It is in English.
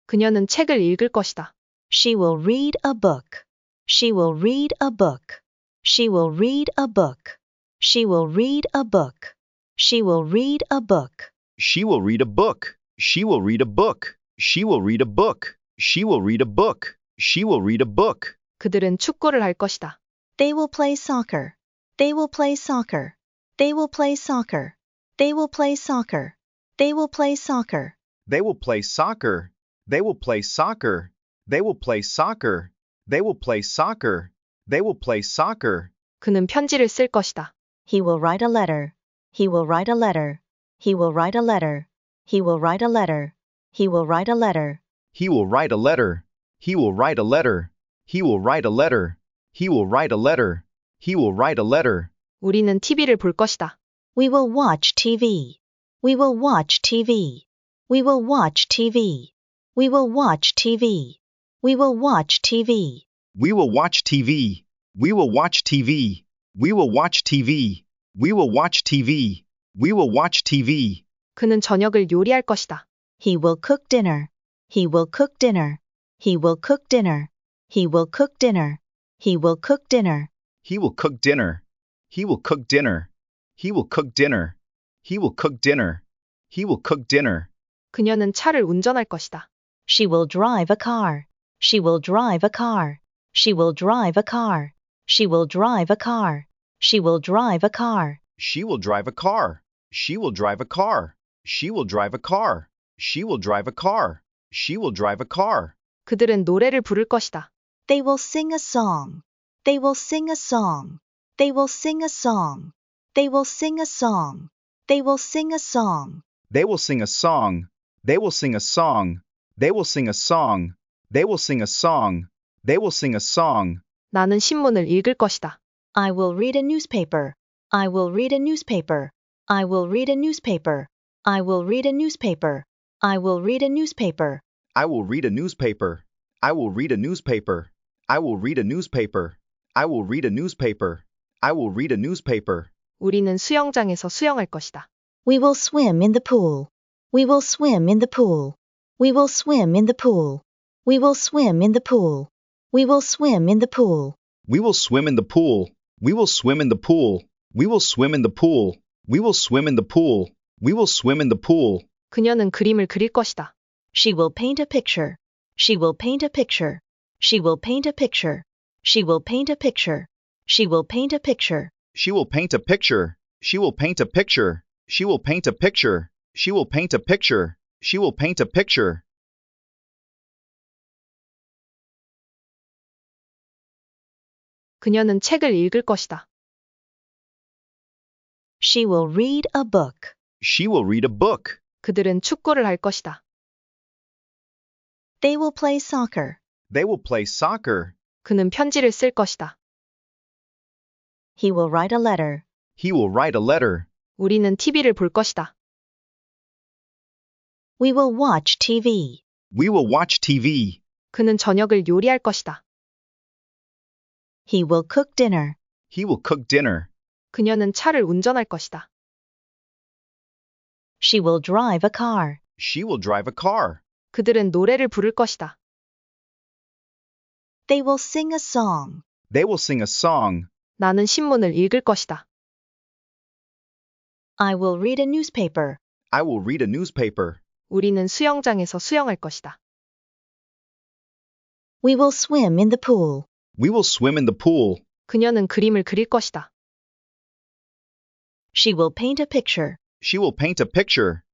그녀는 책을 읽을 것이다. She will read a book. She will read a book. She will read a book. She will read a book. She will read a book. She will read a book. She will read a book. She will read a book. She will read a book. She will read a book. 그들은 축구를 할 것이다. They will play soccer. They will play soccer. They will play soccer. They will play soccer. They will play soccer. They will play soccer. They will play soccer. They will play soccer. They will play soccer. They will play soccer. 그는 편지를 쓸 것이다. He will write a letter. He will write a letter. He will write a letter. He will write a letter. He will write a letter. He will write a letter. He will write a letter. He will write a letter. He will write a letter. He will write a letter. 우리는 TV를 볼 것이다. We will watch TV. We will watch TV. We will watch TV. We will watch TV. We will watch TV. We will watch TV. We will watch TV. We will watch TV. We will watch TV. We will watch TV. 그는 저녁을 요리할 것이다. He will cook dinner. He will cook dinner. He will cook dinner. He will cook dinner. He will cook dinner. He will cook dinner. He will cook dinner. He will cook dinner. He will cook dinner. He will cook dinner. 그녀는 차를 운전할 것이다. She will drive a car. She will drive a car. She will drive a car. She will drive a car. She will drive a car. She will drive a car. She will drive a car. She will drive a car. She will drive a car. She will drive a car. 그들은 노래를 부를 것이다. They will sing a song. They will sing a song. They will sing a song. They will sing a song. They will sing a song. They will sing a song. They will sing a song. They will sing a song. They will sing a song. They will sing a song. 나는 신문을 읽을 것이다. I will read a newspaper. I will read a newspaper. I will read a newspaper. I will read a newspaper. I will read a newspaper. I will read a newspaper. I will read a newspaper. I will read a newspaper. I will read a newspaper. I will read a newspaper. 우리는 수영장에서 수영할 것이다. We will swim in the pool. We will swim in the pool. We will swim in the pool. We will swim in the pool. We will swim in the pool. We will swim in the pool. We will swim in the pool. We will swim in the pool. We will swim in the pool. We will swim in the pool. 그녀는 그림을 그릴 것이다. She will paint a picture. She will paint a picture. She will paint a picture. She will paint a picture. She will paint a picture. She will paint a picture. She will paint a picture. She will paint a picture. She will paint a picture. She will paint a picture. 그녀는 책을 읽을 것이다. She will read a book. She will read a book. 그들은 축구를 할 것이다. They will play soccer. They will play soccer. 그는 편지를 쓸 것이다. He will write a letter. He will write a letter. 우리는 TV를 볼 것이다. We will watch TV. We will watch TV. 그는 저녁을 요리할 것이다. He will cook dinner. He will cook dinner. 그녀는 차를 운전할 것이다. She will drive a car. She will drive a car. 그들은 노래를 부를 것이다. They will sing a song. They will sing a song. 나는 신문을 읽을 것이다. I will read a newspaper. I will read a newspaper. 우리는 수영장에서 수영할 것이다. We will swim in the pool. We will swim in the pool. 그녀는 그림을 그릴 것이다. She will paint a picture. She will paint a picture.